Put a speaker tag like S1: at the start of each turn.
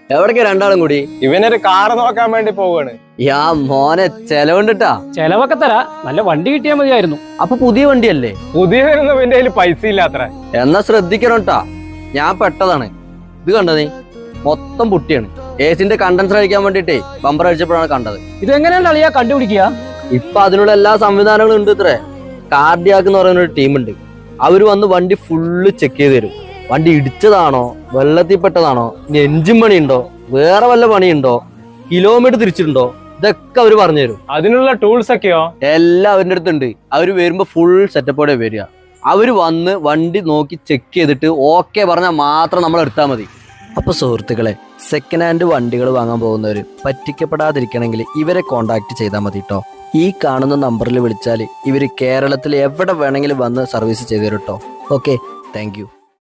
S1: എവിടേക്ക് രണ്ടാളും കൂടി?
S2: ഇവനൊരു കാറ് നോക്കാൻ വേണ്ടി പോവാണ്.
S1: യാ മോനെ, ചെലവുണ്ടിട്ടാ.
S3: ചെലവൊക്കെ തരാ, നല്ല വണ്ടി കിട്ടിയാൽ മതിയായിരുന്നു.
S1: അപ്പൊ പുതിയ വണ്ടിയല്ലേ?
S2: പുതിയതൊന്നും ഇവന്റെ കയ്യിൽ പൈസ ഇല്ലാത്ര.
S1: എന്നാ ശ്രദ്ധിക്കണം ട്ടാ. ഞാൻ പെട്ടതാണ്. ഇത് കണ്ടോ നീ? മൊത്തം പുട്ടിയാണ്. ഏസിന്റെ കണ്ടൻസർ അടിക്കാൻ വേണ്ടിട്ടേ ബമ്പർ അടിച്ചപ്പോഴാണ് കണ്ടത്.
S3: ഇതെങ്ങനെയാണ് അളിയാ കണ്ടുപിടിക്കുക?
S1: ഇപ്പൊ അതിനുള്ള എല്ലാ സംവിധാനങ്ങളും ഉണ്ട്. ഇത്രേ കാർഡിയാക്ക് എന്ന് പറയുന്ന ഒരു ടീമുണ്ട്. അവര് വന്ന് വണ്ടി ഫുള്ള് ചെക്ക് ചെയ്ത് തരും. വണ്ടി ഇടിച്ചതാണോ, വെള്ളത്തിൽ പെട്ടതാണോ, ഇനി എഞ്ചിൻ പണിയുണ്ടോ, വേറെ വല്ല പണിയുണ്ടോ, കിലോമീറ്റർ തിരിച്ചിട്ടുണ്ടോ, ഇതൊക്കെ അവര് പറഞ്ഞു തരും.
S2: അതിനുള്ള ടൂൾസ് ഒക്കെയോ?
S1: എല്ലാം അവരുടെ അടുത്തുണ്ട്. അവര് വരുമ്പോ ഫുൾ സെറ്റപ്പോടെ വരിക. അവര് വന്ന് വണ്ടി നോക്കി ചെക്ക് ചെയ്തിട്ട് ഓക്കെ പറഞ്ഞാൽ മാത്രം നമ്മൾ എടുത്താൽ മതി. അപ്പൊ സുഹൃത്തുക്കളെ, സെക്കൻഡ് ഹാൻഡ് വണ്ടികൾ വാങ്ങാൻ പോകുന്നവര് പറ്റിക്കപ്പെടാതിരിക്കണമെങ്കിൽ ഇവരെ കോണ്ടാക്ട് ചെയ്താൽ മതി കേട്ടോ. ഈ കാണുന്ന നമ്പറിൽ വിളിച്ചാൽ ഇവര് കേരളത്തിൽ എവിടെ വേണമെങ്കിലും വന്ന് സർവീസ് ചെയ്തു തരും കേട്ടോ. Okay, thank U.